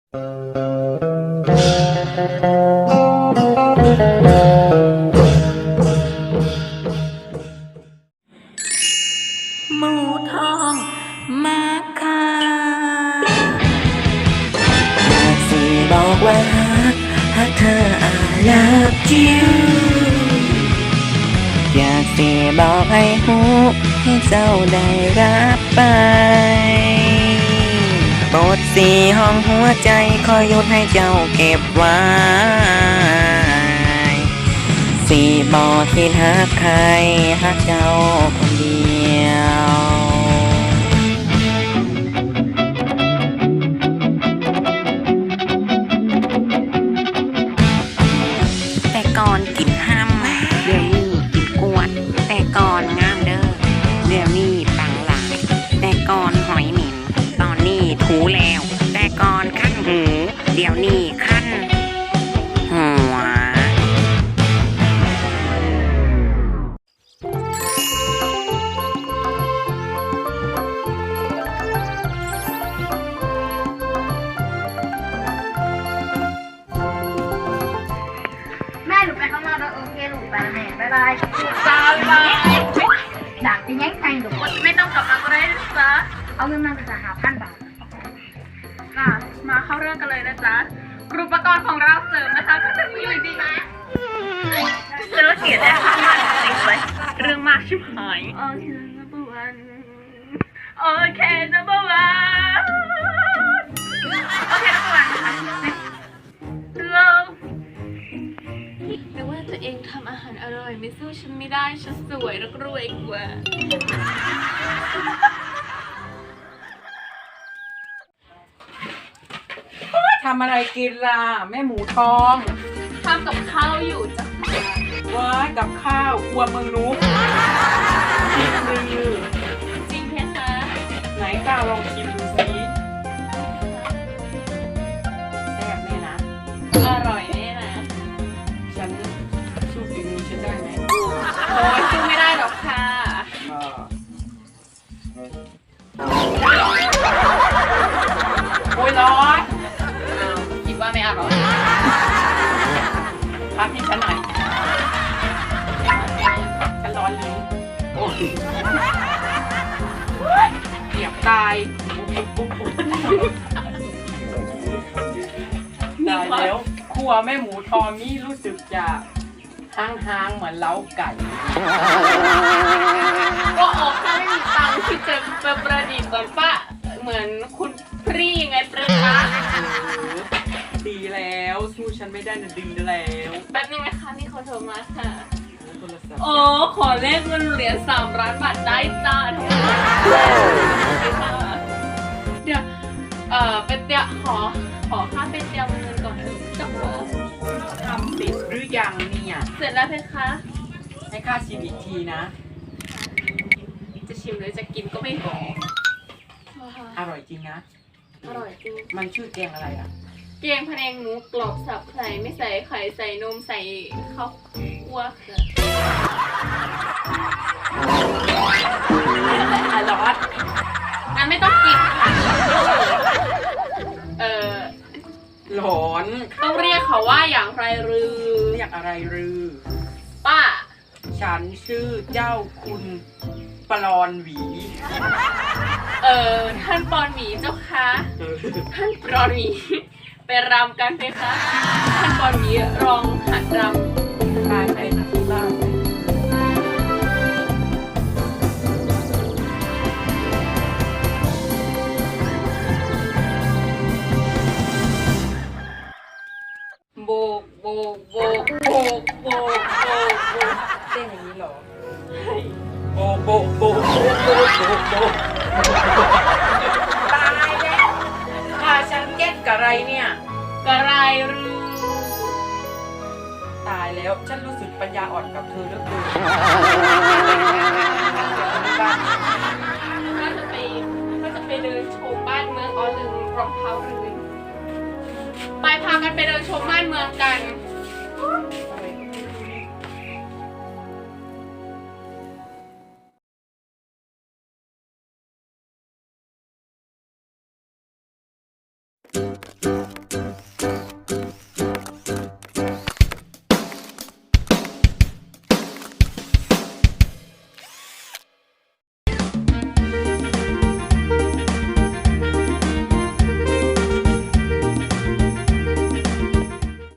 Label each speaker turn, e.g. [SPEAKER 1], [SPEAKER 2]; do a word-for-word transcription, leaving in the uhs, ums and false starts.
[SPEAKER 1] หมูทองมาค่ะอยากสิบอกว่าหากเธอ I love you อยากสิบอกให้หูให้เจ้าได้รับไปโปรดสีห้องหัวใจคอยหยุดให้เจ้าเก็บไว้สีบอกคิดหาใครหากเจ้าคนเดียวแต่ก่อนกินห้ำเดี๋ยวนี้กินกวดแต่ก่อนงามเด้อเดี๋ยวนี้ปังหลายแต่ก่อนหอยหมิ่นตอนนี้ถูแล้วแต่ก่อนขั้นหูเดี๋ยวนี้ขั้นหัว
[SPEAKER 2] แม่หนูไปข้างนอกแล้วโอเคหนูไปแล้วแม่บ๊ายบายจ้าบ๊ายบายดักจะแย่งใครหนูไม่ต้องกลับมาก็ได้นะจ๊ะเอาเงินมาจะหาพันบาทค่ะมาเข้าเรื่องกันเลยนะจ๊ะอุปกรณ์ของเราเสริมนะคะก็จะมีอยู่ดีนะเจอเขียนได้ทั้งวันจริงเลยเรื่องมากชิบหายโอเคนะบัวันโอเคนะบัวันโอเคนะบัวันค่ะเริ่มไม่ว่าตัวเองทำอาหารอร่อยไม่สู้ฉันไม่ได้ฉันสวยและรวยกว่า
[SPEAKER 3] ทำอะไรกินล่ะแม่หมูทอง
[SPEAKER 2] ทำกับข้าวอยู่จ้ะ
[SPEAKER 3] ว้ายกับข้าวครัวเมืองนุ๊กชิมมือ
[SPEAKER 2] จริงเพคะ
[SPEAKER 3] ไหนก้าวลองชิมดูสิแซ่บแน่นะ
[SPEAKER 2] อร่อยแน่นะ
[SPEAKER 3] ฉันสู้ฝีมือฉันได้ไหม
[SPEAKER 2] โอ้ยสู้ไม่ได้หรอกค่ะ
[SPEAKER 3] โอ้ยร้อน
[SPEAKER 2] คิดว่าไม่อร่อย
[SPEAKER 3] พักให้ฉันหน่อยฉันร้อนลิ้นโอ้ยเกียบตายตายแล้วครัวแม่หมูทองนี่รู้สึกจะห้างๆเหมือนเล้าไก่
[SPEAKER 2] ก็ออกถ้าไม่มีตังค์ที่จะมาประดิษฐ์เหมือนป้าเหมือนคุณพรีไงประคะ
[SPEAKER 3] ดีแล้วสู้ฉันไม่ได้นะดีแล้ว
[SPEAKER 2] แป๊บนึงนะคะนี่เขาโทรมาค่ะ
[SPEAKER 3] โทรศัพท์
[SPEAKER 2] โอ้ขอเลขเงินเหรียญสามล้านบาทได้จ้าเดี๋ยวเอ่อเป็นเตียขอขอค่าเป็นเตียเงินก่อนจับว่า
[SPEAKER 3] ทำเสร็จหรือยังเนี่ย
[SPEAKER 2] เสร็จแล้วเพคะ
[SPEAKER 3] ให้ค่าชิมอีกทีนะ
[SPEAKER 2] จะชิมหรือจะกินก็ไม่บอก
[SPEAKER 3] อร่อยจริงนะ
[SPEAKER 2] อร่อยจริง
[SPEAKER 3] มันชื่อแกงอะไรอ่ะ
[SPEAKER 2] เกงพะแนงหมูกรอบสับไข่ไม่ใส่ไข่ใส่นมใส่ข้าวคั่วค่ะ
[SPEAKER 3] อร่อย
[SPEAKER 2] งั้นไม่ต้องกินค่ะเอ่อ
[SPEAKER 3] หลอน
[SPEAKER 2] ต้องเรียกเขาว่าอย่างไรหรือ
[SPEAKER 3] เรียกอะไรรือ
[SPEAKER 2] ป้า
[SPEAKER 3] ฉันชื่อเจ้าคุณปลอนหวี
[SPEAKER 2] เอ่อท่านปอนหมีเจ้าคะท่านปอนหมีไปรำกันไหมคะท่านปอนหมีรองหัดรำ
[SPEAKER 3] ไปไปที่บ้านโบกโบกโบกโบกโบกโบกโบกเต้นอย่างนี้เหรอโบกโบกโบกโบกโบกโบกโบกตายแล้วถ้าฉันเก็ตกับอะไรเนี่ย
[SPEAKER 2] กระไรหรือ
[SPEAKER 3] ตายแล้วฉันรู้สึกปัญญาอ่อนกับเธอเหลือเกิน
[SPEAKER 2] น่าจะไปน่าจะไปเดินชมบ้านเมืองอ๋อลืมรองเท้าลืมไปพากันไปเดินชมบ้านเมืองกันะ